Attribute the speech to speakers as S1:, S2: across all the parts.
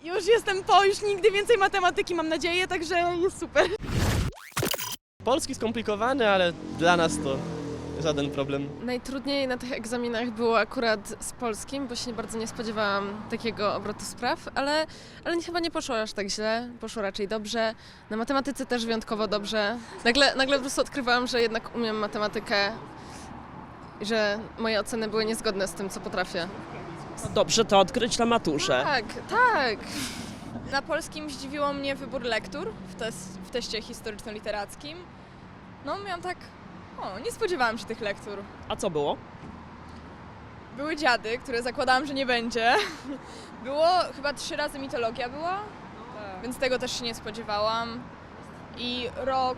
S1: Już jestem po, już nigdy więcej matematyki mam nadzieję, także jest super.
S2: Polski skomplikowany, ale dla nas to żaden problem.
S3: Najtrudniej na tych egzaminach było akurat z polskim, bo się bardzo nie spodziewałam takiego obrotu spraw, ale chyba nie poszło aż tak źle, poszło raczej dobrze. Na matematyce też wyjątkowo dobrze. Nagle po prostu odkrywałam, że jednak umiem matematykę i że moje oceny były niezgodne z tym, co potrafię.
S4: Dobrze to odkryć na maturze.
S3: Tak.
S5: Na polskim zdziwiło mnie wybór lektur w teście historyczno-literackim. No miałam tak, nie spodziewałam się tych lektur.
S4: A co było?
S5: Były dziady, które zakładałam, że nie będzie. Było chyba 3 razy mitologia była, więc tego też się nie spodziewałam. I rok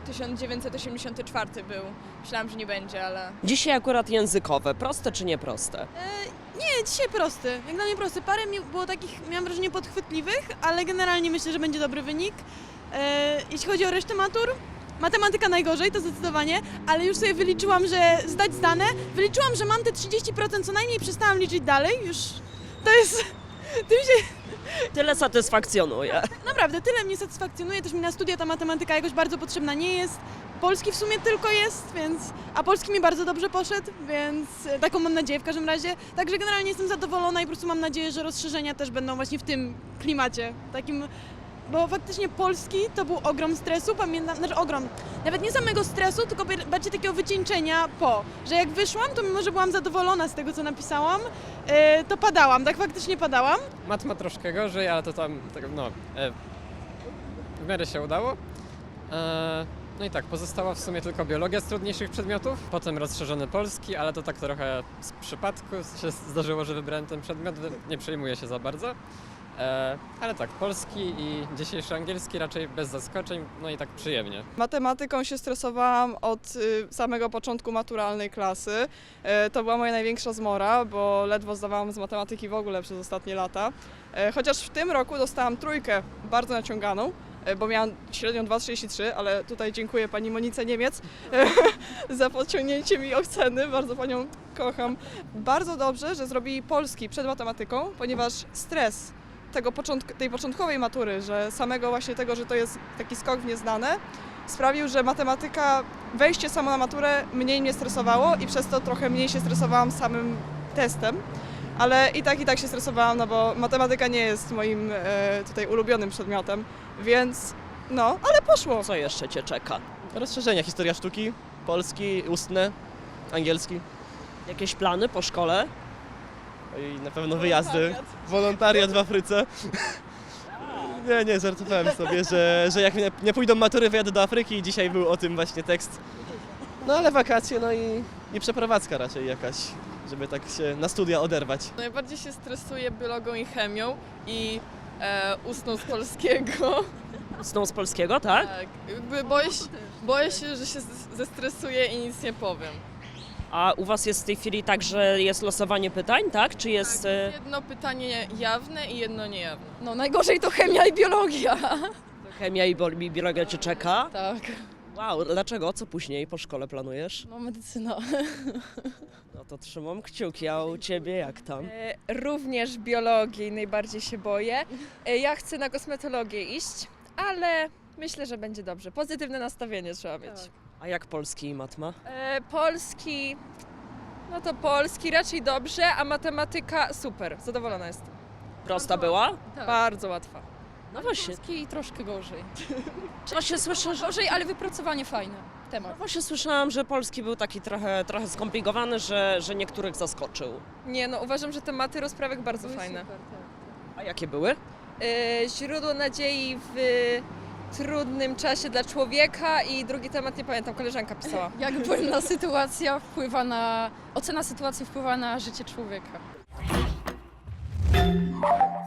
S5: 1984 był. Myślałam, że nie będzie, ale...
S4: Dzisiaj akurat językowe. Proste czy nieproste?
S1: Nie, dzisiaj prosty, jak dla mnie prosty. Parę było takich, miałam wrażenie, podchwytliwych, ale generalnie myślę, że będzie dobry wynik. Jeśli chodzi o resztę matur, matematyka najgorzej, to zdecydowanie, ale już sobie wyliczyłam, że zdać zdane. Wyliczyłam, że mam te 30% co najmniej, przestałam liczyć dalej, już to jest... Tym się
S4: Tyle satysfakcjonuje.
S1: naprawdę tyle mnie satysfakcjonuje, też mi na studia ta matematyka jakoś bardzo potrzebna nie jest. Polski w sumie tylko jest, a polski mi bardzo dobrze poszedł, więc taką mam nadzieję w każdym razie. Także generalnie jestem zadowolona i po prostu mam nadzieję, że rozszerzenia też będą właśnie w tym klimacie takim, bo faktycznie polski to był ogrom stresu, pamiętam, znaczy ogrom, nawet nie samego stresu, tylko bardziej takiego wycieńczenia że jak wyszłam, to mimo, że byłam zadowolona z tego, co napisałam, to padałam, tak faktycznie padałam.
S6: Mat ma troszkę gorzej, ale to tam, w miarę się udało. No i tak, pozostała w sumie tylko biologia z trudniejszych przedmiotów, potem rozszerzony polski, ale to tak trochę z przypadku się zdarzyło, że wybrałem ten przedmiot, nie przejmuję się za bardzo. Ale tak, polski i dzisiejszy angielski raczej bez zaskoczeń, no i tak przyjemnie.
S7: Matematyką się stresowałam od samego początku maturalnej klasy. To była moja największa zmora, bo ledwo zdawałam z matematyki w ogóle przez ostatnie lata. Chociaż w tym roku dostałam 3 bardzo naciąganą, bo miałam średnią 2,33, ale tutaj dziękuję pani Monice Niemiec za podciągnięcie mi oceny, bardzo panią kocham. Bardzo dobrze, że zrobili polski przed matematyką, ponieważ stres tej początkowej matury, że samego właśnie tego, że to jest taki skok w nieznane, sprawił, że matematyka, wejście samo na maturę mniej mnie stresowało i przez to trochę mniej się stresowałam samym testem. Ale i tak się stresowałam, no bo matematyka nie jest moim tutaj ulubionym przedmiotem, więc ale poszło.
S4: Co jeszcze cię czeka?
S2: Rozszerzenia, historia sztuki, polski, ustne, angielski.
S4: Jakieś plany po szkole?
S2: I na pewno wyjazdy, wolontariat w Afryce. Nie, żartowałem sobie, że jak nie pójdą matury, wyjadę do Afryki i dzisiaj był o tym właśnie tekst. No ale wakacje, i przeprowadzka raczej jakaś, żeby tak się na studia oderwać.
S3: Najbardziej się stresuję biologią i chemią i ustną z polskiego.
S4: Ustną z polskiego, tak?
S3: Tak, jakby boję się, że się zestresuję i nic nie powiem.
S4: A u was jest w tej chwili tak, że jest losowanie pytań, tak? Czy jest...
S3: Tak, jest jedno pytanie jawne i jedno niejawne.
S5: No najgorzej to chemia i biologia.
S4: Chemia i biologia cię czeka?
S5: Tak.
S4: Wow, dlaczego? Co później po szkole planujesz?
S5: No medycyna.
S4: No to trzymam kciuki, a u ciebie jak tam?
S8: Również biologii najbardziej się boję. Ja chcę na kosmetologię iść, ale myślę, że będzie dobrze. Pozytywne nastawienie trzeba mieć.
S4: A jak polski i matma?
S8: Polski, no to polski raczej dobrze, a matematyka super. Zadowolona jestem.
S4: Prosta była?
S8: Bardzo łatwa.
S4: No właśnie,
S5: Polski troszkę gorzej.
S4: właśnie słyszę, że...
S5: Gorzej, ale wypracowanie fajne. Temat.
S4: Właśnie słyszałam, że polski był taki trochę skomplikowany, że niektórych zaskoczył.
S8: Nie, no uważam, że tematy rozprawek bardzo fajne.
S4: A jakie były?
S8: Źródło nadziei w trudnym czasie dla człowieka i drugi temat, nie pamiętam, koleżanka pisała.
S5: Jak ocena sytuacji wpływa na życie człowieka.